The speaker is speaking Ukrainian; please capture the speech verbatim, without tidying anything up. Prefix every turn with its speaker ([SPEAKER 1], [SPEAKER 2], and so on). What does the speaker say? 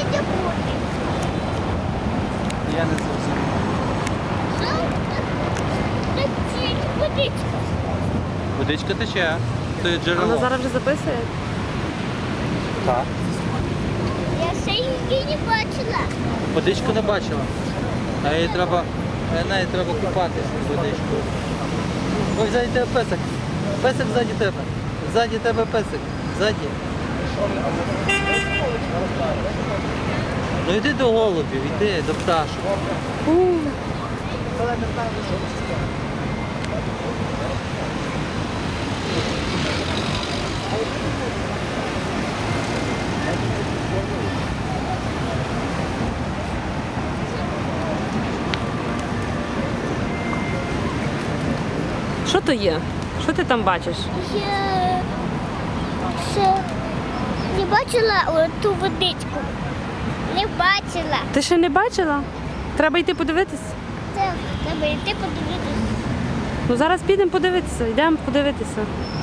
[SPEAKER 1] де бути?
[SPEAKER 2] Я не зрозумів.
[SPEAKER 1] Це водичка.
[SPEAKER 2] Водичка тече. То є джерело.
[SPEAKER 3] Вона зараз вже записує.
[SPEAKER 2] Так.
[SPEAKER 1] Я ще її не бачила.
[SPEAKER 2] Водичку не бачила. А їй треба, а неї треба купатися в водичку. Ой, ззаді тебе песик. Песик ззаді тебе. Ззаді тебе песик. Ззаді. Ну йди до голубів, йди до пташок.
[SPEAKER 3] Що то є? Що ти там бачиш?
[SPEAKER 1] Я ще не бачила ту водичку. Не бачила.
[SPEAKER 3] Ти ще не бачила? Треба йти подивитися.
[SPEAKER 1] Це треба йти подивитися.
[SPEAKER 3] Ну зараз підемо подивитися, йдемо подивитися.